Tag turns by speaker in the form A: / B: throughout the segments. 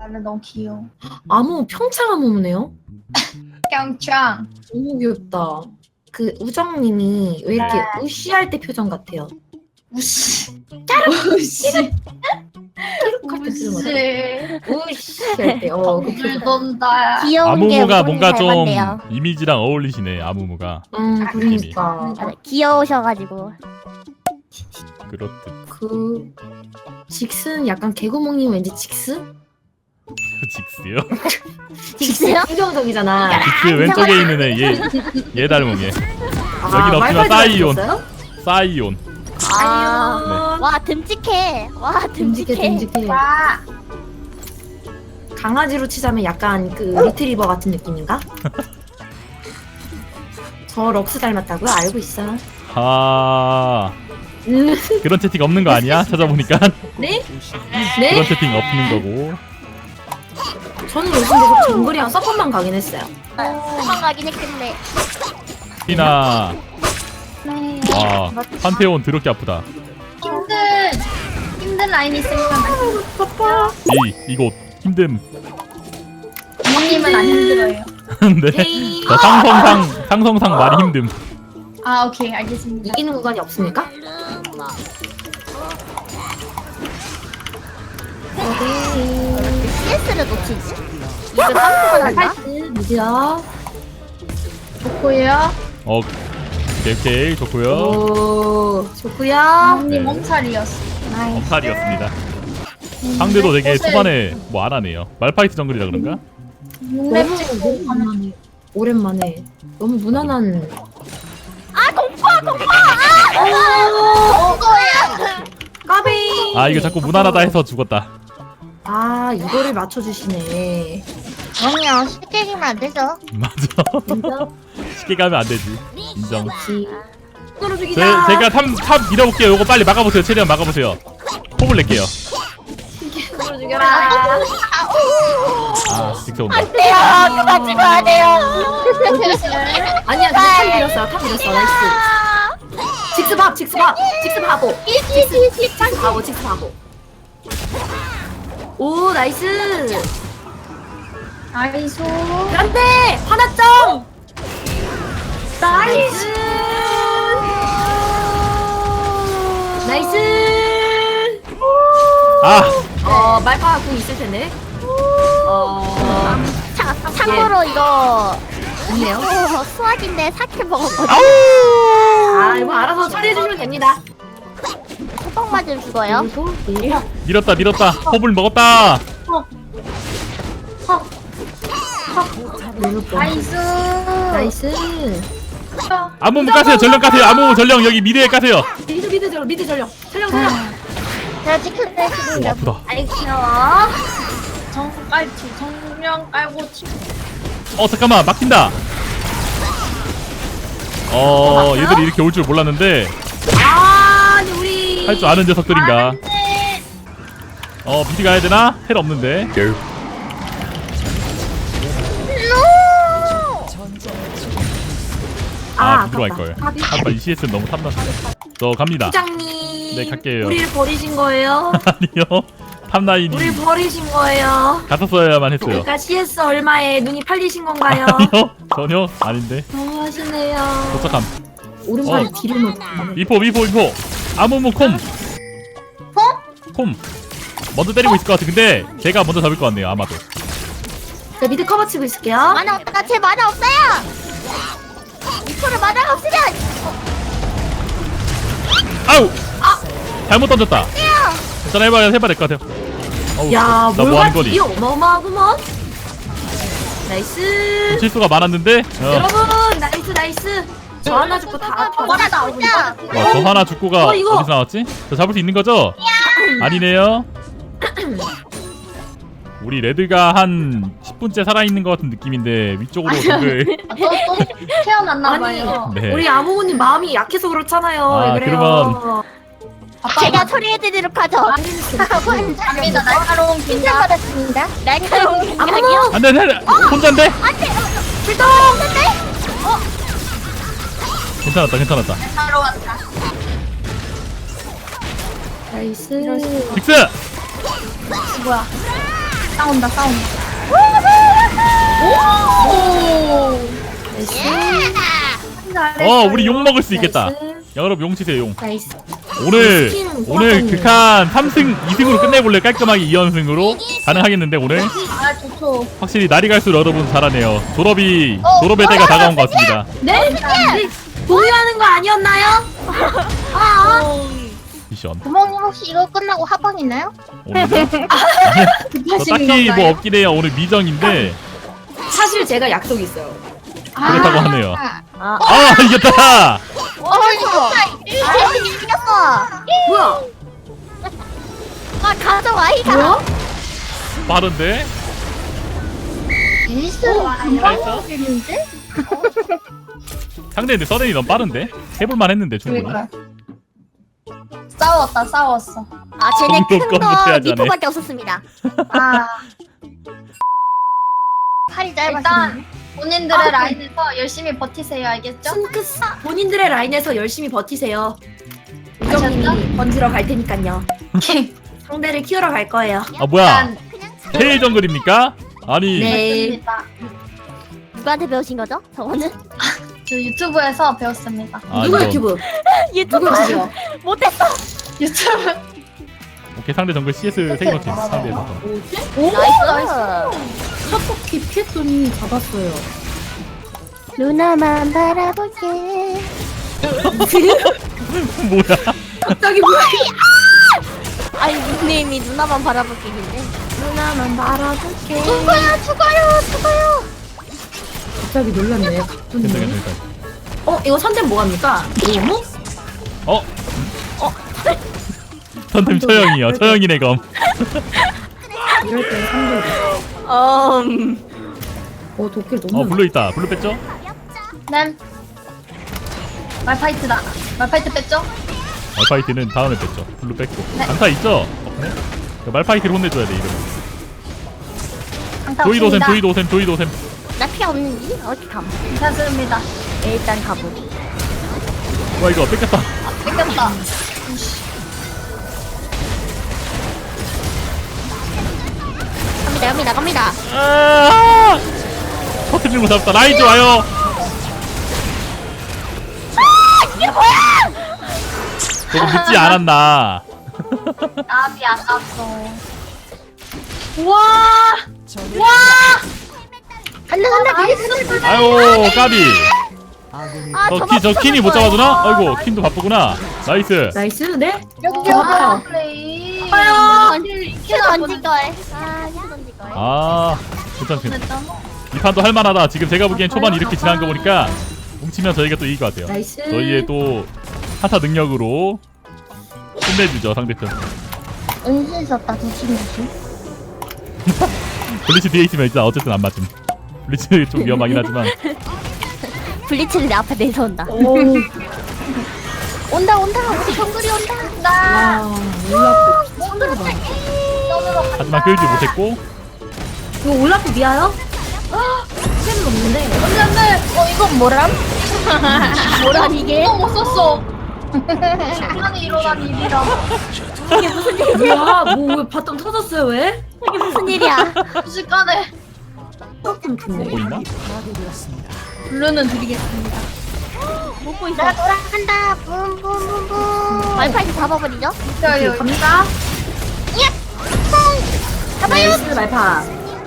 A: 원래 너무 귀여워.
B: 아무 평창 아무무네요?
A: 평창.
B: 너무 귀엽다. 그 우정님이 왜 이렇게
A: 네.
B: 우쉬할 때 표정 같아요?
A: 우씨. 우씨.
B: 할 때 표정 같아요.
A: 우씨.
B: 우쉬할 때. 그
A: 물
B: 표정.
A: 돈다.
C: 귀여운 게
D: 아무무가
C: 우동이
D: 뭔가 좀
C: 닮았네요.
D: 이미지랑 어울리시네. 아무무가
B: 그러니까.
C: 맞아, 귀여우셔가지고.
D: 그렇듯.
B: 그 직스는 약간 개구멍님 왠지 직스?
D: 직스요?
C: 직스요?
B: 긍정적이잖아.
D: 직스 왼쪽에 있는 얘 닮은 얘. 여긴 없지만 사이온. 사이온.
C: 아, 와 듬직해. 와
B: 듬직해
C: 듬직해.
B: 듬직해.
A: 와.
B: 강아지로 치자면 약간 그 리트리버 같은 느낌인가? 저 럭스 닮았다고요? 알고 있어.
D: 아 그런 채팅 없는 거 아니야? 찾아보니까
B: 네?
D: 그런
B: 네?
D: 채팅 없는 거고.
B: 저는 요즘 계속 정글이랑 서폿만 가긴 했어요.
C: 도망가긴 했겠네.
D: 티나.
A: 네.
D: 와 판테온 더럽게 아프다.
A: 힘든 라인 있으면
B: 바빠.
D: 이곳 힘듦.
A: 부모님은 안 힘들어요.
D: 네.
B: 에이.
D: 저 상성상 많이 힘듦.
A: 아 오케이 알겠습니다.
B: 이기는 구간이 없습니까?
C: CS를 놓치지? 이거 깜짝을 한다?
B: 미디어.
A: 좋고요.
D: 오케이 좋고요.
B: 오, 좋구요.
A: 부모님
D: 네.
A: 몸살이었어.
D: 엄살이었습니다. 상대도 되게 초반에 뭐 안 하네요. 말파이트 정글이라 그런가?
B: 너무 오랜만에. 오랜만에. 너무 무난한. 까비.
D: 아 이거 자꾸 무난하다 해서 죽었다.
B: 아, 이거를 맞춰주시네.
C: 그럼요. 쉽게 이기면 안 되죠.
D: 맞아.
B: 진짜?
D: 쉽게 가면 안 되지. 인정.
B: 지. 서로 죽이자.
D: 제가 탑 밀어볼게요. 요거 빨리 막아보세요. 최대한 막아보세요. 포블 낼게요.
B: 서로 죽여라.
D: 아 직접 온다.
C: 돼요. 그만 찍어야 돼요.
B: 아니야, 탑 밀었어. 탑 밀었어. 나이스. 직스 밥, 직스 밥, 직스 바보. 직스 바보, 직스 바보. 오, 나이스.
A: 아이소.
B: 안돼, 화났점. 나이스. 나이스. 말파 공 있을 텐데.
C: 참고로 이거
B: 있네요.
C: 수학인데 4킬 먹었거든.
B: 아, 이거 알아서 처리해 주시면 됩니다.
C: 호박 맞으면 죽어요.
B: 그리고
D: 밀었다. 포블 먹었다.
A: 아이소.
B: 나이스.
D: 아무무 까세요. 전령 까세요. 아무무 전령 여기 미드에 까세요.
B: 미드 전령. 전령.
C: 제가 지켰네 지금.
D: 오 아프다.
A: 귀여워. 정령 깔고 치.
D: 잠깐만 막힌다. 얘들이 이렇게 올 줄 몰랐는데
B: 아니 우리
D: 할 줄 아는 녀석들인가. 미드 가야 되나? 헬 없는데. 미드로 갈 걸. 아빠 이 CS는 너무 탐났어. 저 갑니다.
B: 부장님.
D: 네, 갈게요.
B: 우리를 버리신 거예요?
D: 아니요. 탑라인이
B: 우리를 버리신 거예요?
D: 갔었어야만 했어요.
B: 그러니까 CS 얼마에 눈이 팔리신 건가요?
D: 아니요. 전혀 아닌데.
B: 너무하시네요.
D: 도착함.
B: 오른팔에 뒤를 놓고.
D: 미포. 아무무 콤. 콤. 먼저 때리고 있을 것 같아. 근데 제가 먼저 잡을 것 같네요. 아마도.
B: 자, 미드 커버 치고 있을게요.
C: 만화 없다. 제 만화 없어요. 이코를 만화가 없으면
D: 아우. 잘못 던졌다. 괜찮아. 해봐야 될 것 같아요. 어우,
B: 야,
D: 나
B: 뭘가
D: 뭐하는 거니?
B: 딜이 어마어마하구먼. 나이스.
D: 실수가 많았는데.
B: 여러분, 나이스. 저 하나 죽고 다
C: 뭐라 나오자.
D: 저 하나 죽고가
B: 이거.
D: 어디서 나왔지? 저 잡을 수 있는 거죠? 아니네요. 우리 레드가 한 10분째 살아있는 것 같은 느낌인데 위쪽으로 적을.
A: 또 태어났나봐요.
D: 네.
B: 우리 아무모님 마음이 약해서 그렇잖아요.
D: 아,
B: 왜 그래요?
C: 제가 처리해드리도록 하죠.
A: 갑니다. 날카로운
C: 칭찬 받았습니다. 날카로운
B: 아무모
C: 긴장이요.
D: 안돼 혼자인데?
C: 안돼.
B: 출동.
D: 괜찮았다.
A: 날카로웠다.
B: 나이스.
D: 빅스!
A: 뭐야? 싸운다.
D: 우리 용 먹을 수 있겠다. 야, 여러분 용 치세요 용.
B: 나이스.
D: 오늘 극한 3승 2승으로 끝내볼래? 깔끔하게 2연승으로 가능하겠는데 오늘
A: 아 좋죠.
D: 확실히 날이 갈수록 여러분 잘하네요. 졸업의 때가 다가온 것 같습니다.
B: 네? 동요하는 거 아니었나요?
D: 미션
C: 부모님 혹시 이거 끝나고 합방 있나요?
D: 오늘 저 딱히 뭐 없긴 해요. 오늘 미정인데
B: 사실 제가 약속이 있어요.
D: 그렇다고 하네요.
C: 아,
D: 이겼다.
C: 이거 이겼어.
B: 뭐야?
C: 아 가져와이다.
B: 뭐야?
D: 빠른데?
A: 금방 되는데?
D: 상대 근데 서든이 너무 빠른데? 해볼만 했는데 충분히.
A: 그러니까. 싸웠어.
C: 아 쟤네
D: 정도
C: 큰거
D: 못해야지 않네.
C: 니포밖에 없었습니다.
A: 아
C: 팔이 짧아서.
A: 일단 본인들의 라인에서 열심히 버티세요. 알겠죠?
B: 싱크스 본인들의 라인에서 열심히 버티세요.
A: 아셨죠?
B: 우정님이 번지러 갈 테니까요. 상대를 키우러 갈 거예요.
D: 아 뭐야?
A: 일단
D: 테일 정글입니까? 아니
B: 네.
A: 맞습니다.
C: 누구한테 배우신 거죠? 저거는
A: 저 유튜브에서 배웠습니다.
D: 아,
B: 누구
D: 이거.
B: 유튜브?
C: 유튜브
B: 누구시죠?
C: 못했어.
A: 유튜브.
D: 오케이 상대 정글 CS 세이버팀 상대에서
C: 나이스.
B: 샷폭 깊이 했더니 잡았어요.
C: 누나만 바라볼게.
D: 뭐야?
B: 갑자기 뭐야?
C: 아니 닉네임이 누나만 바라볼게인데.
B: 누나만 바라볼게.
C: 죽어요.
B: 갑자기 놀랐네.
D: 괜찮.
B: 이거 선택 뭐합니까? 너무?
D: 어? 선템 처형이요. 처형이네 검.
B: 이럴 때 상대. 도끼를 너무.
D: 블루 있다. 블루 뺐죠?
A: 네. 말파이트다. 말파이트 뺐죠?
D: 말파이트는 다음에 뺐죠. 블루 뺐고.
A: 네.
D: 강타 있죠? 없네. 말파이트를 혼내줘야 돼 이러면.
A: 강타
D: 조이도셈
A: 없습니다.
D: 조이도셈.
C: 나 피 없는지? 어떻게 감?
A: 괜찮습니다.
C: 일단 가보기.
D: 와 이거 뺏겼다.
A: 뺏겼다.
C: 갑니다.
D: 아! 터트리는 거 잡았다. 라인 좋아요.
C: 이게 뭐야?
D: 조금 늦지 않았나.
A: 나비 아깝어.
C: 간다.
D: 아유 까비.
C: 아,
D: 저 킨이 못 잡아주나? 아이고 킨도 바쁘구나. 나이스.
B: 나이스. 네.
A: 여기요. 플레이.
C: 큐 던질 걸. 큐 던질 걸.
D: 괜찮. 이 판도 할만하다. 지금 제가 보기엔 초반 이렇게 지난 거 보니까 뭉치면 저희가 또 이길 것 같아요.
B: 나이스.
D: 저희의 또 하타 능력으로 끝내주죠 상대편.
C: 은신 썼다 조심.
D: 블리츠 뒤에 있으면 일단 어쨌든 안 맞음. 블리츠 좀 위험하긴 하지만.
C: 블리츠는 내 앞에 내려온다. 온다. 우리 정글이 온다.
B: 와, 올라프.
D: 하지만 끌지 못했고.
B: 이거 올라프 미아요? 템은 없는데.
A: 안돼. 이건 뭐람?
C: 뭐란 이게?
A: 못 썼어. 시간이 일어난 일이라.
C: 이게 무슨 일이야?
B: 뭐야? 왜 바텀 터졌어요? 왜?
C: 이게 무슨 일이야?
A: 순식간에
B: 조금 좋네.
D: 보이나?
A: 블루는 드리겠습니다.
C: 못 보이죠? 나 돌아간다. 붐붐붐붐. 말파이트 잡아버리죠?
A: 저요.
B: 갑니다.
C: 잡아요.
B: 나이스 말파.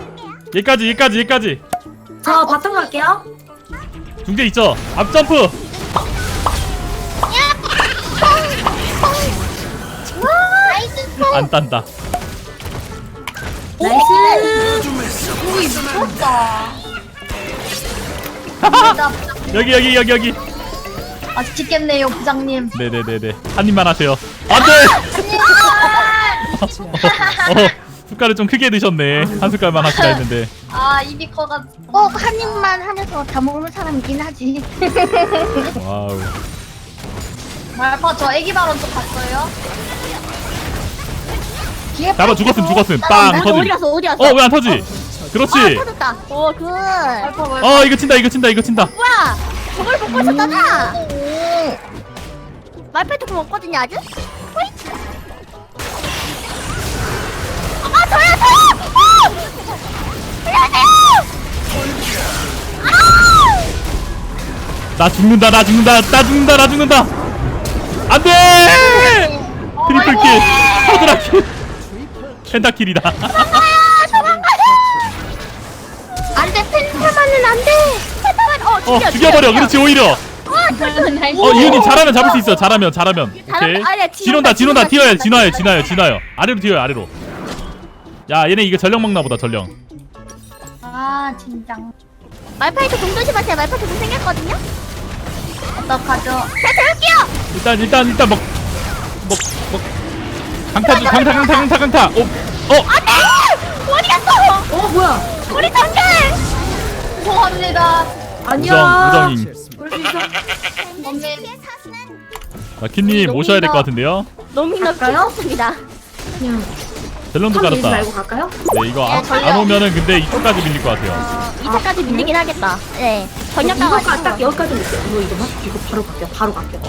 D: 얘까지.
B: 저 바텀 갈게요.
D: 중재 있죠? 앞점프.
C: 나이스.
D: 안 딴다.
B: 나이스.
D: 여기.
A: 맛있겠네요, 부장님.
D: 네네네네. 한 입만 하세요. 안돼. 숟갈을 좀 크게 드셨네. 한 숟갈만 하시라 했는데.
A: 입이 커가지고.
C: 꼭 한 입만 하면서 다 먹는 사람이긴 하지.
D: 와우.
A: 말파 저 애기 발언 좀 봤어요?
D: 잡아 죽었음. 빵
C: 어디
D: 터지.
C: 갔어?
D: 왜 안 터지? 그렇지.
C: 터졌다. 오, 굿.
A: 말파
D: 이거 친다.
C: 뭐야? 저걸 먹고 있었잖아. 말파이트 그럼 없거든요, 아직? 호잇. 저야!
D: 나 죽는다 나 죽는다 나 죽는다 나 죽는다 안돼 트리플킬 허드라킬 펜타킬이다
C: 안돼 펜타만은 안돼. 펜타만
D: 죽여버려 그렇지 오히려
A: 나이스.
D: 이윤님 잘하면 잡을 수 있어 잘하면 오케이
C: 잘하면- 아니야,
D: 진원다
C: 진원다,
D: 튀어요
C: 진원다.
D: 진화요 아래로 튀어요 아래로 야 얘네 이거 전령 먹나 보다 전령
A: 아 진장.
C: 말파이트 공 조심하세요. 말파이트 공 생겼거든요.
A: 어떡하죠?
C: 자 재울게요.
D: 일단 먹 강타
C: 안돼. 어디 갔어?
B: 뭐야?
C: 우리 단결.
A: 죄송합니다.
B: 아니야.
D: 우정잉
B: 그럴 수 있어.
A: 언니.
D: 킨님 오셔야 될 것 같은데요
C: 너무
B: 갈까요?
C: 좋습니다.
B: 그냥
D: 젤런도
B: 탐 밀지
D: 깔았다
B: 말고 갈까요?
D: 네 이거
C: 예, 전령.
D: 안 오면은 근데 이쪽까지 밀릴 것 같아요
C: 2차까지 밀리긴 하겠다. 네. 전력
B: 이거까지
C: 가가지고.
B: 딱 여기까지 밀게요. 이거 바로 갈게요.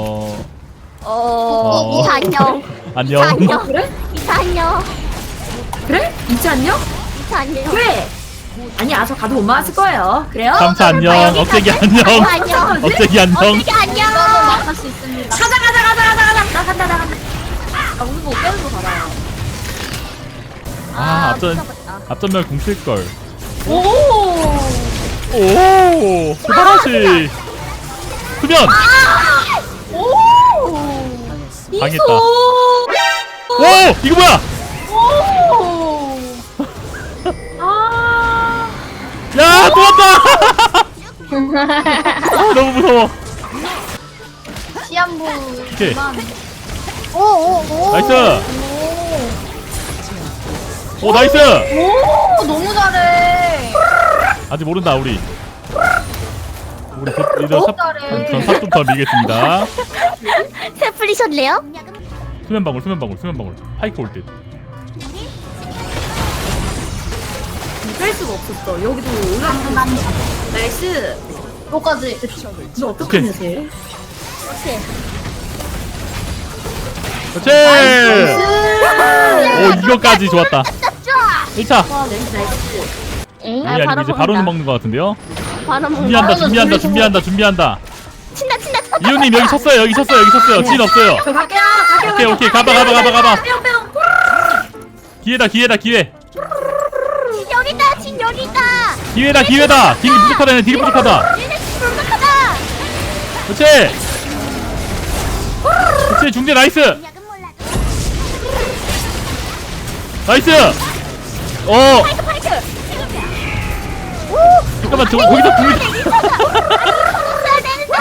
C: 이차 안녕.
D: 안녕
C: 이차 안녕.
B: 그래?
C: 이차 안녕.
B: 그래? 있지 않냐?
C: 이차 안녕.
B: 그래. 아니야, 저 가도 못 맞을 거예요. 그래요?
D: 감사 안녕
C: 여기
D: 억제기
C: 가자.
D: 안녕
C: 안녕.
D: 억제기 안녕
C: 어떻게 안녕.
A: 이거는 막을 수 있습니다.
B: 가자. 나 간다. 아, 우리 뭐 깨는 거 받아요.
D: 앞전면 공칠걸
A: 오.
D: 오 수바라시 수면
A: 오.
D: 당했다 오 이거 뭐야
A: 오.
D: 야 또 왔다 너무 무서워
A: 시한부.
D: 오케이.
A: 오.
D: 나이스 오 나이스
A: 오 너무 잘해.
D: 아직 모른다 우리 곧 이제
A: 너무 잘해.
D: 전 삽 좀 더 밀겠습니다
C: 새 풀리셨네요?
D: 수면 방울 파이크 올듯
B: 뺄 수가 없었어. 여기도 올라가는 나이스.
A: 여기까지.
B: 너 어떡하냐, 쟤?
C: 오케이.
D: 그렇지 오 이거까지 좋았다 1차
B: 나이스.
C: 엥?
D: 아니 아니고 이제 바로는 먹는 것 같은데요
C: 바로 먹는다.
D: 준비한다
C: 친다.
D: 이호님 여기 쳤어요 진 없어요
B: 저 갈게요.
D: 오케이 가봐
B: 빼용.
D: 기회다
C: 진 여기 있다.
D: 기회다 딜이 부족하다
C: 얘네 불쌍하다.
D: 그렇지 중재 나이스
C: 파이크.
D: 잠깐만 저거 거기서 불이
C: 써야 되는데.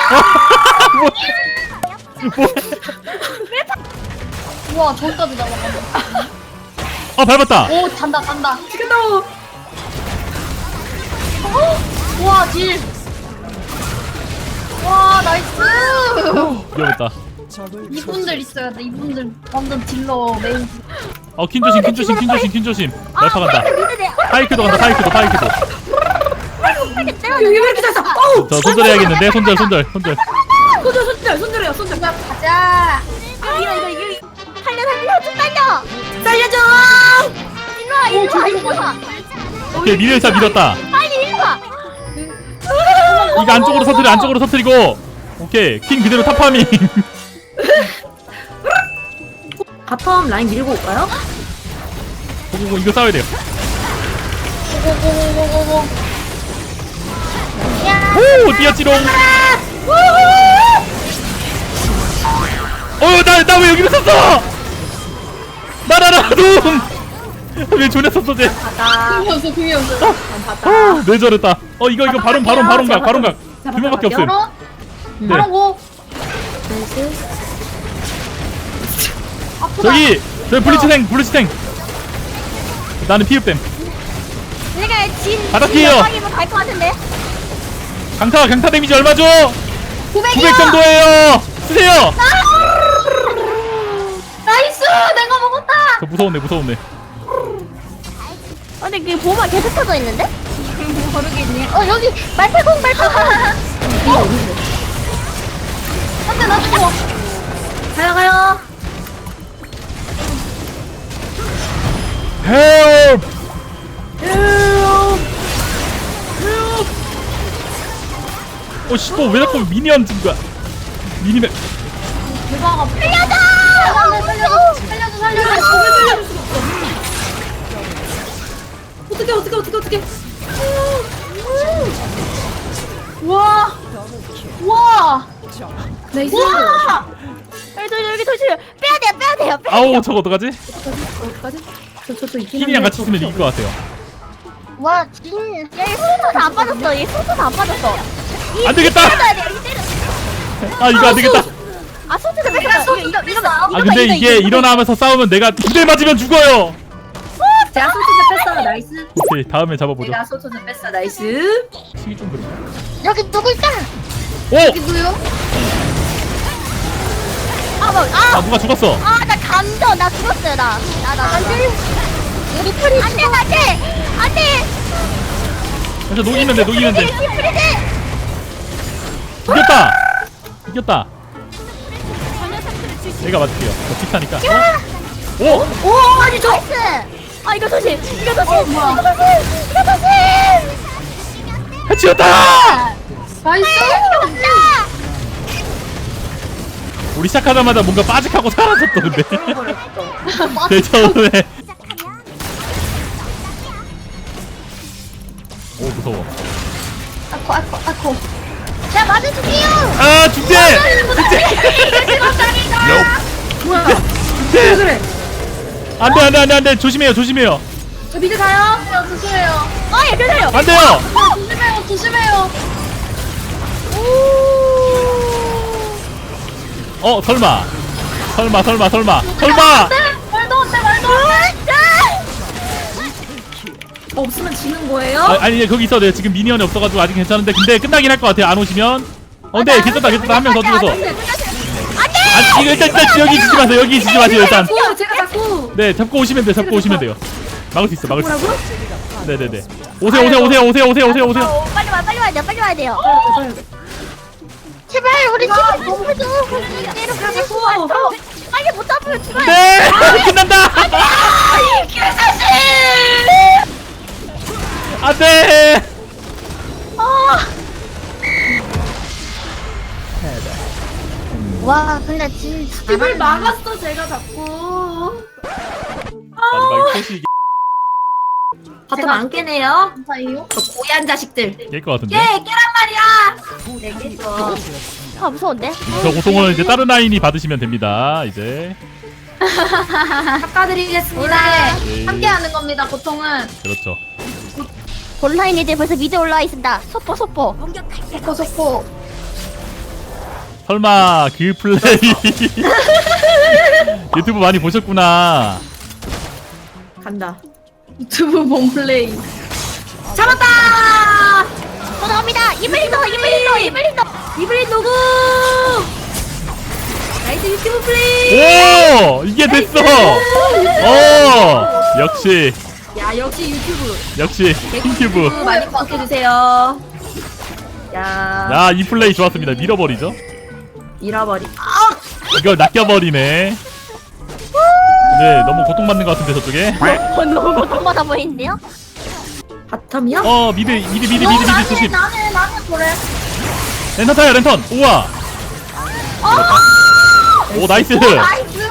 A: 우와 저기까지 날아간다.
D: 밟았다
A: 오 잔다.
B: 지금도.
A: 우와 딜. 와 나이스.
D: 위험했다
A: 이분들 있어야 돼. 이분들 완전 딜러 메인.
D: 퀸 조심 날파 간다 파이크도
C: 파이크
B: 여기 왜 이렇게 잘 써? 어우!
D: 저 손절해야겠는데 손절
B: 손들어요.
A: 가자.
C: 이거. 달려 좀 달려.
B: 살려줘!
C: 일로 와.
D: 오케이 미래차 밀었다
C: 빨리 일로 와.
D: 이거 안쪽으로 터뜨리고 오케이 킹 그대로 탑파밍
B: 바텀 라인 밀고 올까요?
D: 이거 싸워야 돼요
A: 고고고고고고.
D: 오 뛰었지롱 나 왜 여기를 썼어 나라라 왜 존에 썼어 쟤
B: 갔다.
A: 금이었어.
D: 내 저랬다 이거 바론 각 두 명밖에 없음
A: 바로
D: 네.
A: 바로 고. 아프다.
D: 저기 블리츠탱 나는 피읍댐
C: 내가
D: 바닥이에요.
C: 대박이면 갈것 같은데.
D: 강타 데미지 얼마죠? 900
A: 900이요.
D: 정도예요 쓰세요
A: 나이스. 내가 먹었다.
D: 저 무서웠네
C: 근데 그 보호막 계속 켜져 있는데?
A: 모르겠네. 여기 말팔공. 한대 나 죽어.
B: 가요.
D: 헬프 씨, 또 왜 자꾸 미니언 준 거야? 미니맵.
A: 대박.
C: 살려줘!
A: 살려줘.
B: 어떻게.
A: 와.
B: 나이스.
C: 여기 조심. 빼야 돼요.
D: 아우, 저거 어떡하지?
B: 어떡하지? 저 있긴
D: 힐이랑
B: 한데
D: 같이 쓰면 이길 것 같아요.
C: 와, 진. 야, 얘 소스 다안 빠졌어. 얘 소스 다안 빠졌어.
D: 안 되겠다!
C: 때려야 돼. 이 때려.
D: 아, 이거 안 되겠다.
C: 아, 소스를 뺐어. 이거.
D: 아, 근데 이게 일어나면서 싸우면 내가 2대 맞으면 죽어요!
B: 제가 소초제 뺐어. 나이스.
D: 오케이, 다음에 잡아보죠.
B: 제가 소초제 뺐어. 나이스.
D: 시기 좀 그래.
C: 여기 누구 있다.
D: 오!
A: 누구요?
D: 아, 누가 죽었어?
C: 나 감정. 나 죽었어요, 나. 우리 프리. 안 돼.
D: 그래서 녹이면 돼.
C: 프리즈.
D: 이겼다! 내가 맞을게요. 저 피타니까. 오!
C: 오, 아니, 나이스. 아, 이거 조심.
D: 해치웠다!
A: 나이스.
D: 우리 시작하자마자 뭔가 빠직하고 사라졌어, 근데. 제 처음에. 오, 무서워.
A: 아코.
C: 제가 맞아줄게요.
D: 아, 중재!
B: 뭐야?
D: 네.
B: 그래?
D: 안 돼. 조심해요.
B: 저 미드 가요.
A: 조심해요.
C: 얘 괜찮아요.
D: 안 돼요!
A: 조심해요.
D: 설마.
A: 말도 안 돼.
B: 없으면 지는 거예요?
D: 아니, 거기 있어도 돼요. 지금 미니언이 없어가지고 아직 괜찮은데. 근데 끝나긴 할 것 같아요. 안 오시면. 근데 괜찮다. 한 명 더 죽어서. 아니, 이거 일단 여기 지지 마세요, 일단.
B: 제가 자꾸.
D: 네, 잡고 오시면 돼요. 막을 수 있어.
B: 뭐라고?
D: 네네네. 오세요.
C: 빨리 와야 돼요. 제발 우리 친구 좀 해줘. 빨리 못 잡으면 죽어요.
D: 네! 끝난다! 안 돼!
C: 와, 근데 진짜
B: 집을 막았어 제가 자꾸.
D: 마지막에 코시
B: 바텀 안 깨네요.
A: 감사해요.
B: 저 고얀 자식들.
D: 깰것 같은데?
B: 깨란 말이야. 네 깨죠.
C: 무서운데?
D: 저 고통은 이제 다른 라인이 받으시면 됩니다. 이제.
B: 깎아드리겠습니다.
D: 네.
A: 함께하는 겁니다. 고통은.
D: 그렇죠.
C: 본라인 이제 벌써 미드 올라와 있습니다. 소포.
A: 소포.
D: 설마 그 플레이 유튜브 많이 보셨구나.
B: 간다.
A: 유튜브 몸플레이.
B: 잡았다.
C: 또 나옵니다. 이블린도.
B: 이블린 누구? 나이스 유튜브 플레이.
D: 오! 이게 됐어! 역시
B: 야 역시 유튜브.
D: 킹큐브.
B: 많이 구독해주세요. 야
D: 이 플레이 좋았습니다. 밀어버리죠.
B: 잃어버리.
D: 이걸 낚여버리네. 네, 너무 고통받는 것 같은데 저쪽에.
C: 너무 고통받아 보이는데요?
B: 바텀이요?
D: 미드 조심.
A: 나는 그래.
D: 랜턴 타요, 랜턴. 우와. 오, 나이스.
A: 나이스.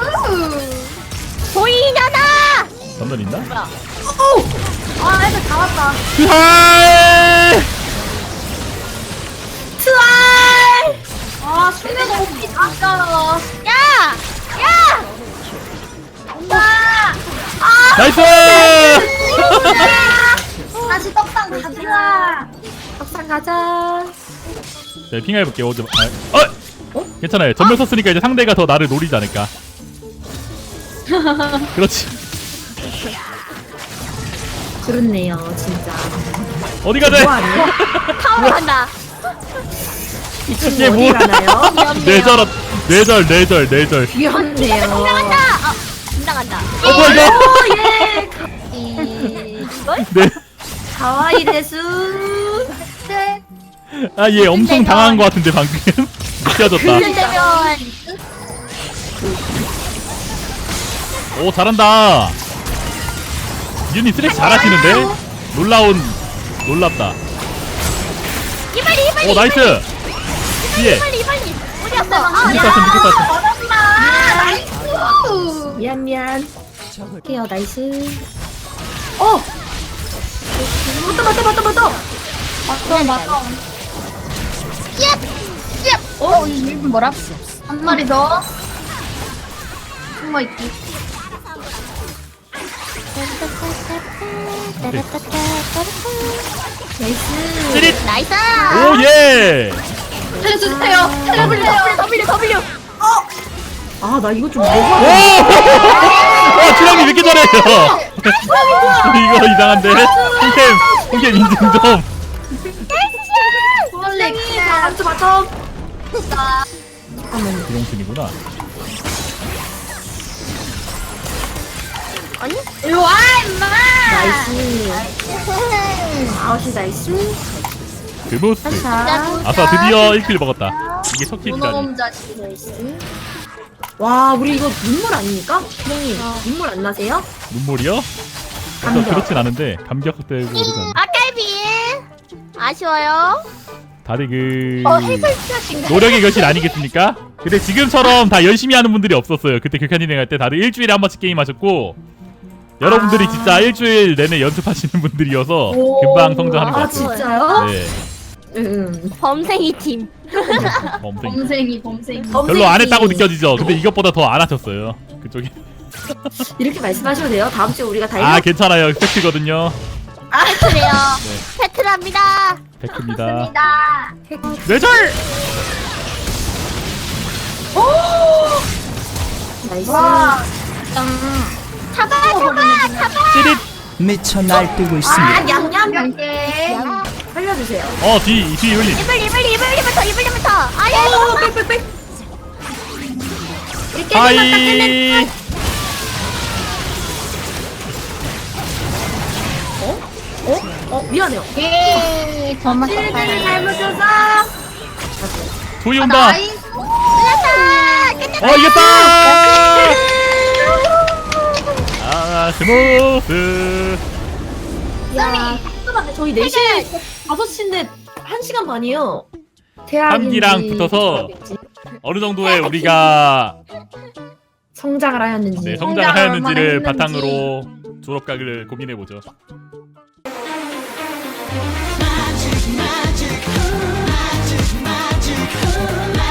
C: 보이잖아.
D: 전면 있나?
A: 애들 다 왔다.
D: 트하이!
B: 트와이.
A: 수비가 높이 다 깔아.
C: 야!
A: 온다.
D: 나이스!
A: 다시 떡상 가자.
B: 떡상 가자.
D: 네, 핑해볼게요. 괜찮아요. 전멸 썼으니까 이제 상대가 더 나를 노리지 않을까. 그렇지.
B: 그렇네요 진짜.
D: 어디 가자.
B: 뭐하네?
C: 타오로 간다.
D: 이게
B: 어디
D: 뭐야?
B: 가나요?
D: 뇌절.
B: 위험해요.
C: 긴장한다. 긴장한다.
D: 뭐야 이거?
C: 이걸?
D: 네.
B: 가와이 데수.
D: 얘 엄청 당한 것 같은데 방금. 느껴졌다.
C: 되면
D: 오, 잘한다. 윤이 쓰레기 잘하시는데? 놀랍다.
C: 이발이.
D: 오, 나이스. 뒤에.
C: 빨리 어디 갔어?
D: 밑에 같은 밑에 같은.
B: 미안. 오케이요, 나이스. 맞다.
A: 맞아.
C: 예.
A: 이 일분 뭐라? 한 마리 더. 숨어있기.
B: 나이스.
D: 찌릿.
C: 나이스.
D: 오예.
A: 살려주세요.
C: W.
B: 아, 나 이거 좀
D: 오.
B: 뭐가.
D: 와 주량이 왜 이렇게 잘해요? 이거 이상한데. 홍캠 인증 좀.
A: 홀리.
B: 맞죠.
D: 비용순이구나.
C: 아니?
A: 일로 와 임마.
B: 나이스. 아웃이 나이스.
D: 드모스.
B: 자.
D: 아싸 드디어 1킬 먹었다. 이게 석킬이라니.
A: 문어놈 자식.
B: 나이스. 와, 우리 이거 눈물 아닙니까? 형님, 눈물 안 나세요?
D: 눈물이요?
B: 감격.
D: 그렇진 않은데 감격 때문에 그러잖아.
C: 아깔비. 아쉬워요.
D: 다들 그
A: 해설자신가?
D: 노력의 결실 아니겠습니까? 근데 지금처럼 다 열심히 하는 분들이 없었어요. 그때 극한진행 할 때 다들 일주일에 한 번씩 게임 하셨고 여러분들이 진짜 일주일 내내 연습하시는 분들이어서
A: 오.
D: 금방 성장하는 것
B: 아,
D: 같아요.
B: 진짜요?
D: 네.
C: 범생이 팀.
D: 범생.
A: 범생이.
D: 별로 안 했다고 느껴지죠. 근데 이것보다 더 안 하셨어요. 그쪽이.
B: 이렇게 말씀하셔도 돼요. 다음 주에 우리가 다
D: 아 괜찮아요. 팩트거든요.
C: 그래요.
D: 네.
C: 패트랍니다.
D: 팩트입니다.
A: 맞습니다.
D: 뇌절.
B: 나이스.
A: 와.
C: 잡아.
D: 찌릿.
E: 미쳐 날뛰고 있습니다.
B: 아, 냠냠.
A: 몇개
B: 살려주세요.
D: 뒤 흘림.
C: 이블리부터. 아야.
B: 빽빽빽.
D: 하이.
B: 미안해요.
A: 예. 저만
B: 잘못해서.
D: 조이 온다.
A: 나이스.
D: 이겼다. 아 스모스.
B: 야, 잠깐만요. 저희 4시에 5시인데 1시간 반이에요.
D: 함기랑 붙어서 어느 정도의 우리가
B: 성장을 하였는지.
D: 네,
A: 성장을
D: 성장을 하였는지를
A: 얼마나
D: 바탕으로 졸업각을 고민해 보죠.
F: magic, magic, magic, magic, magic.